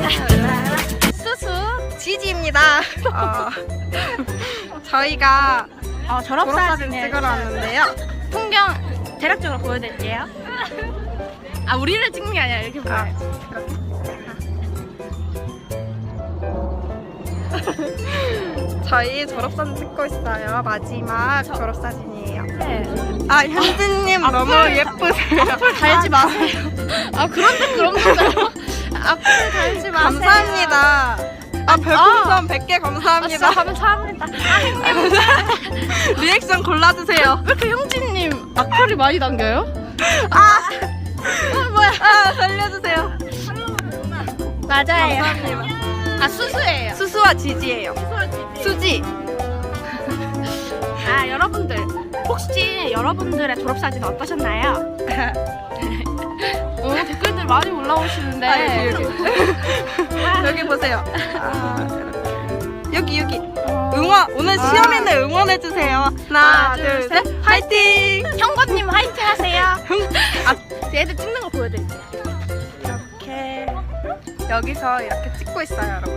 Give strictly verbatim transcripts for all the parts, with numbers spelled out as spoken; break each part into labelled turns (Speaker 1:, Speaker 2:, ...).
Speaker 1: 수수 지지입니다. 어, 저희가
Speaker 2: 어,
Speaker 1: 졸업사진
Speaker 2: 졸업사진을
Speaker 1: 찍으러 왔는데요.
Speaker 2: 풍경 대략적으로 보여드릴게요. 아, 우리를 찍는 게 아니라 이렇게
Speaker 1: 아,
Speaker 2: 보여야지.
Speaker 1: 저희 졸업사진 찍고 있어요. 마지막 졸업사진이에요.
Speaker 2: 네.
Speaker 1: 아, 현진님 너무 예쁘세요.
Speaker 2: 달지 마세요. 아, 그런데 그런 건가요? 앞을 달지 마세요.
Speaker 1: 감사합니다. 아, 별풍선 백 개
Speaker 2: 아, 진짜
Speaker 1: 감사합니다.
Speaker 2: 감사합니다. 아,
Speaker 1: 리액션 골라주세요.
Speaker 2: 왜 이렇게 형진님 악플이 많이 남겨요?
Speaker 1: 아,
Speaker 2: 어, 뭐야?
Speaker 1: 아, 살려주세요.
Speaker 2: 맞아요.
Speaker 1: 감사합니다.
Speaker 2: 아, 수수예요.
Speaker 1: 수수와 지지예요. 수지.
Speaker 2: 아, 여러분들 혹시 여러분들의 졸업사진 어떠셨나요? 오, 댓글들 많이 올라오시는데.
Speaker 1: 아, 여기, 여기. 여기 보세요. 아, 여기, 여기. 응원, 오늘
Speaker 2: 아.
Speaker 1: 시험에는 응원해주세요. 하나,
Speaker 2: 하나,
Speaker 1: 둘,
Speaker 2: 둘,
Speaker 1: 셋. 화이팅!
Speaker 2: 형건님 화이팅 하세요.
Speaker 1: 아,
Speaker 2: 얘들 찍는 거 보여드릴게요.
Speaker 1: 이렇게. 여기서 이렇게 찍고 있어요, 여러분.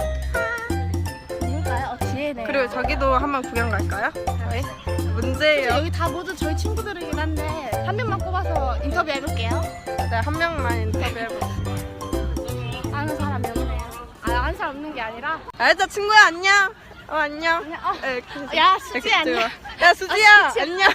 Speaker 2: 누굴까요? 어, 뒤에네요.
Speaker 1: 그리고 저기도 한번 구경 갈까요? 저희? 문제예요.
Speaker 2: 여기 다 모두 저희 친구들이긴 한데 한 명만 뽑아서 인터뷰 해볼게요.
Speaker 1: 네, 한 명만 인터뷰해볼게요.
Speaker 2: 아는 사람이 없네요. 아, 아는 사람 없는 게 아니라.
Speaker 1: 알자, 친구야, 안녕. 어, 안녕.
Speaker 2: 그냥, 어.
Speaker 1: 네, 이렇게
Speaker 2: 야, 수지
Speaker 1: 이렇게
Speaker 2: 안녕.
Speaker 1: 찍어요. 야, 수지야,
Speaker 2: 아, 수지.
Speaker 1: 안녕.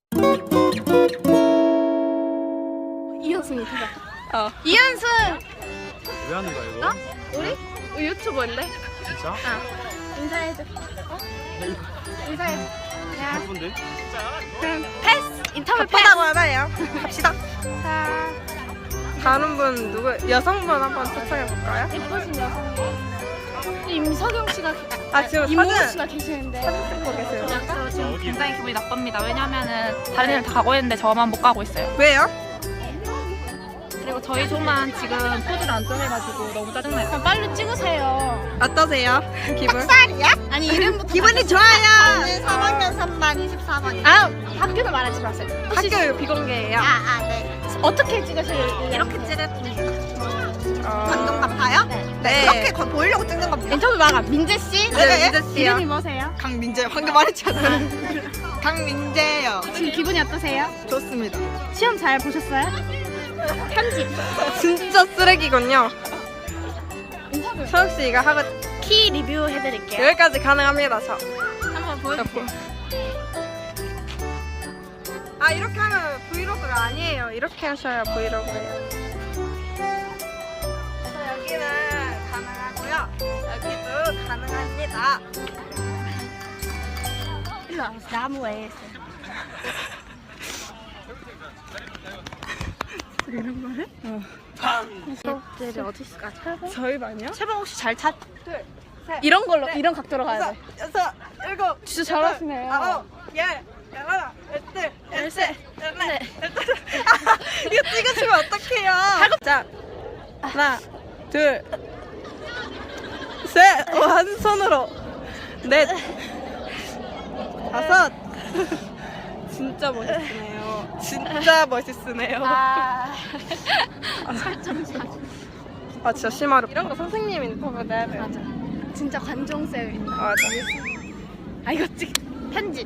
Speaker 2: 이현승이 대박.
Speaker 1: 어.
Speaker 2: 이현승!
Speaker 3: 왜 하는 거야 이거?
Speaker 2: 어? 우리? 우리 유튜버인데?
Speaker 3: 진짜?
Speaker 2: 어. 인사해줘. 어? 인사해줘. 야,
Speaker 3: 바쁜데?
Speaker 2: 그럼 패스! 인터뷰 패스!
Speaker 1: 바쁘다고 하나요? 갑시다. 자, 다른 분 누구? 여성분 한번 초청해볼까요?
Speaker 2: 예쁘신 여성. 임석영 씨가, 계-
Speaker 1: 아, 지금
Speaker 2: 임모우
Speaker 1: 사진
Speaker 2: 씨가 계시는데.
Speaker 1: 찍고 계세요.
Speaker 4: 저 지금 굉장히 기분이 나쁩니다. 왜냐면은 다른 애들 다 가고 있는데 저만 못 가고 있어요.
Speaker 1: 왜요?
Speaker 4: 그리고 저희 조만 지금 포즈를 안 정해가지고 너무 짜증나요.
Speaker 2: 그럼 빨리 찍으세요.
Speaker 1: 어떠세요? 기분?
Speaker 2: 아니, 이름부터.
Speaker 1: 기분이 좋아요.
Speaker 2: 저는 삼 학년 삼 반 이십사 번이요. 아, 학교는 말하지 마세요. 혹시
Speaker 1: 학교 비공개예요.
Speaker 2: 아, 아, 네. 어떻게 찍으실래요? 이렇게 찍을
Speaker 1: 어...
Speaker 2: 감동 같아요?
Speaker 1: 네.
Speaker 2: 이렇게 거 보이려고 찍는 겁니다. 인터뷰 마가 민재 씨?
Speaker 1: 네, 민재 씨요.
Speaker 2: 이름이 뭐세요?
Speaker 1: 강민재 방금 말했잖아요. 강민재요.
Speaker 2: 지금 기분이 어떠세요?
Speaker 1: 좋습니다.
Speaker 2: 시험 잘 보셨어요? 편집.
Speaker 1: 진짜 쓰레기군요.
Speaker 2: 인터뷰.
Speaker 1: 서욱 씨 이거 하고
Speaker 2: 키 리뷰 해드릴게요.
Speaker 1: 여기까지 가능합니다. 저.
Speaker 2: 한번 보여주세요.
Speaker 1: 아, 이렇게 하면 브이로그가 아니에요. 이렇게 하셔야 브이로그예요. 자, 여기는 가능하고요. 여기도 가능합니다.
Speaker 2: 일로 와서 나무에 있어요. 이런 거를? 어. 얘들이 어디 있을까? 철봉?
Speaker 1: 저희 반이요?
Speaker 2: 철봉 혹시 잘 찾?
Speaker 1: 둘, 셋,
Speaker 2: 이런 걸로
Speaker 1: 넷,
Speaker 2: 이런 각도로 가야
Speaker 1: 다섯,
Speaker 2: 돼.
Speaker 1: 여섯, 일곱,
Speaker 2: 진짜
Speaker 1: 여덟,
Speaker 2: 잘하시네요.
Speaker 1: 아홉, 열, 열하나, 열둘, 열셋, 열넷,
Speaker 2: 네.
Speaker 1: 열다섯. 아, 이거 찍으시면 어떡해요? 자, 하나, 둘, 셋, 어, 한 손으로, 넷, 다섯. 진짜 멋있으네요. 진짜 멋있으네요.
Speaker 2: 아, 설정 잘.
Speaker 1: 아, 진짜 심하려. 이런 거 선생님 인터뷰 내야 돼요.
Speaker 2: 맞아. 진짜 관종쌤.
Speaker 1: 맞아.
Speaker 2: 아, 이거 찍 편집.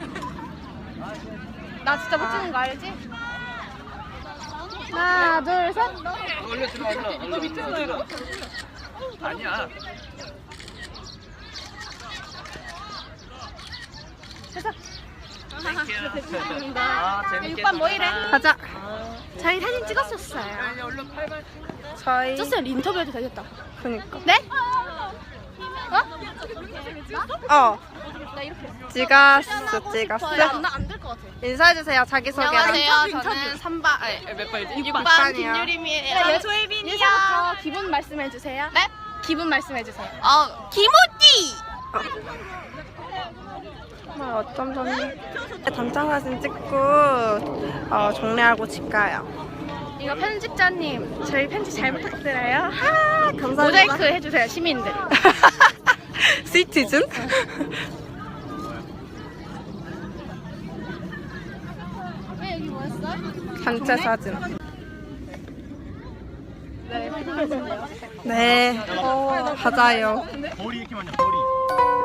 Speaker 2: 나 진짜 못 찍는 거 알지? 하나, 둘, 셋.
Speaker 3: 원래 들어 올라 올라 밑에 들어. 아니야.
Speaker 2: 해서.
Speaker 3: 아 재밌겠다.
Speaker 2: 육반 뭐 이래?
Speaker 1: 가자.
Speaker 2: 저희 사진 찍었었어요.
Speaker 3: 얼른 팔만.
Speaker 1: 저희.
Speaker 2: 쩌쌤 인터뷰해도 되겠다.
Speaker 1: 그니까.
Speaker 2: 네? 어?
Speaker 1: 어.
Speaker 2: 나 이렇게.
Speaker 1: 찍었어, 찍었어.
Speaker 2: 나안될 것 같아.
Speaker 1: 인사해주세요, 자기소개.
Speaker 2: 안녕하세요. 저는 삼 반, 몇 반이지? 육 반
Speaker 1: 반이요.
Speaker 2: 김유림이에요. 조혜빈이요. 예서부터 기분 말씀해 주세요. 네? 기분 말씀해 주세요.
Speaker 4: 어, 김우띠!
Speaker 1: 정말 어쩜 좋니? 단장 사진 찍고 어, 정리하고 집 가요.
Speaker 2: 이거 편집자님, 저희 편집 잘 부탁드려요.
Speaker 1: 아, 감사합니다.
Speaker 2: 모자이크 해주세요, 시민들.
Speaker 1: 시티즌?
Speaker 2: 왜 여기 뭐였어?
Speaker 1: 단체 사진.
Speaker 2: 네, 편집하시네요.
Speaker 1: 네, 맞아요.
Speaker 3: 거리 이렇게 많냐 거리